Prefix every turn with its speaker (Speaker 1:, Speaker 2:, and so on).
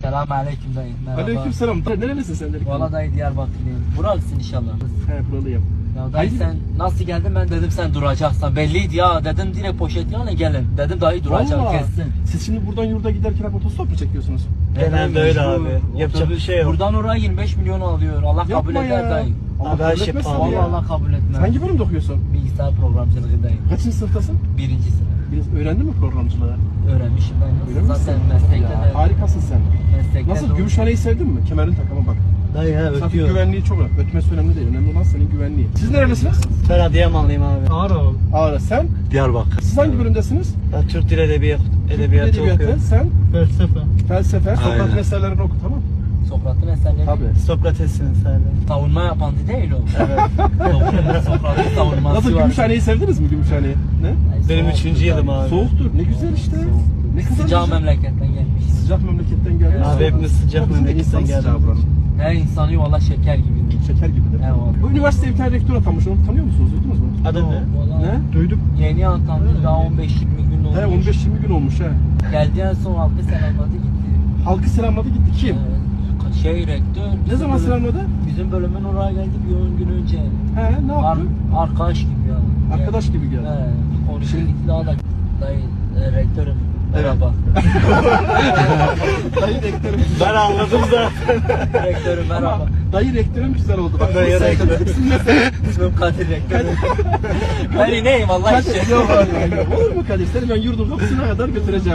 Speaker 1: Selamünaleyküm dayı. Merhaba.
Speaker 2: Aleykümselam. Nerelisin sen dedik?
Speaker 1: Valla dayı Diyarbakırlıyım. Buralısın inşallah.
Speaker 2: He, buralıyım.
Speaker 1: Ya dayı sen nasıl geldin, ben dedim sen duracaksan. Belliydi ya, dedim direkt poşet yana gelin. Dedim dayı duracak
Speaker 2: Vallahi.
Speaker 1: kessin.
Speaker 2: Siz şimdi buradan yurda giderken hep otostop mu çekiyorsunuz?
Speaker 3: Genelde öyle abi. Yapacak bir şey yok.
Speaker 1: Buradan oraya 25 milyon alıyor. Allah kabul
Speaker 2: Yapma
Speaker 1: eder
Speaker 2: ya.
Speaker 1: dayı.
Speaker 2: Allah
Speaker 3: Abi her
Speaker 2: kabul
Speaker 3: şey
Speaker 2: etmesin
Speaker 3: pahalı
Speaker 2: ya.
Speaker 1: Vallahi Allah kabul etmez.
Speaker 2: Hangi bölümde okuyorsun?
Speaker 1: Bilgisayar programcılığı dayı.
Speaker 2: Kaçıncı sınıftasın?
Speaker 1: Birinci sınıf.
Speaker 2: Biraz öğrendin mi programcılığı?
Speaker 1: Öğrenmişim dayı.
Speaker 2: Öyle misin?
Speaker 1: Zaten meslekte
Speaker 2: Ya,
Speaker 1: de.
Speaker 2: harikasın sen.
Speaker 1: Meslekte
Speaker 2: Nasıl,
Speaker 1: de-
Speaker 2: Gümüşhane'yi sevdin mi? Kemerin takımı bak.
Speaker 3: Dayı ya
Speaker 2: Trafik
Speaker 3: ötüyor.
Speaker 2: güvenliği çok önemli. Ötmesi önemli değil. Önemli olan senin güvenliği. Siz nerelisiniz?
Speaker 3: Ben Adıyamanlıyım abi.
Speaker 2: Ağrı. Sen?
Speaker 3: Diyarbakır.
Speaker 2: Siz hangi bölümdesiniz?
Speaker 3: Ben Türk Dil Edebiyatı okuyorum.
Speaker 2: Sen?
Speaker 3: Felsefe.
Speaker 2: Felsefe. Sokrat'ın eserlerini oku, tamam.
Speaker 1: Sokrat'ın eserleri.
Speaker 2: Tabii.
Speaker 3: Sokrates'in eserleri.
Speaker 1: Savunma yapan değil o.
Speaker 3: Evet.
Speaker 1: Sokrat'ın savunması
Speaker 2: Nasıl,
Speaker 1: var.
Speaker 2: Gümüşhane'yi sevdiniz mi, Gümüşhane'yi? Ne?
Speaker 1: Ay,
Speaker 3: Benim
Speaker 1: soğuktur
Speaker 3: 3. yılım
Speaker 1: dayı.
Speaker 3: abi.
Speaker 2: Soğuktur. Ne güzel işte. Ne kadar
Speaker 1: Sıcağı
Speaker 2: güzel.
Speaker 1: memleketten gelmiş.
Speaker 2: Sıcak memleketten geldi.
Speaker 3: Abi hepimiz sıcak
Speaker 2: Bizim de
Speaker 3: memleketten
Speaker 2: insan sıcağı
Speaker 3: geldik.
Speaker 2: buranın.
Speaker 1: Her insanı valla şeker gibi.
Speaker 2: Şeker gibidir.
Speaker 1: Eyvallah.
Speaker 2: Bu üniversiteye bir tane rektör atanmış. Onu tanıyor musunuz? Duydunuz mu?
Speaker 3: Adı ne?
Speaker 1: Valla
Speaker 2: Ne? Duyduk.
Speaker 1: yeni atandı, daha 15-20 gün olmuş.
Speaker 2: He, 15-20 gün olmuş he.
Speaker 1: Geldi en son halkı selamladı gitti.
Speaker 2: Halkı selamladı gitti. Kim?
Speaker 1: Şey rektör.
Speaker 2: Ne
Speaker 1: bizim
Speaker 2: zaman
Speaker 1: bölüm-
Speaker 2: selamladı?
Speaker 1: Bizim bölümün oraya geldi bir 10 gün önce.
Speaker 2: He, ne yaptı?
Speaker 1: Arkadaş gibi ya.
Speaker 2: Arkadaş gibi geldi.
Speaker 1: He, konuşuyor gitti daha da. Dayı, rektörüm. Merhaba.
Speaker 2: Dayı rektörüm.
Speaker 3: Ben anladım zaten.
Speaker 1: Rektörüm merhaba.
Speaker 2: Dayı rektörüm güzel oldu. Bak,
Speaker 3: Dayı
Speaker 2: sen-
Speaker 3: rektörüm.
Speaker 2: İsim ne senin?
Speaker 1: İsmim Kadir rektörüm. Ben ineyim Allah
Speaker 2: Kadir,
Speaker 1: için.
Speaker 2: yok, yok. Olur mu Kadir? Seni ben yurdun kapısına kadar götüreceğim.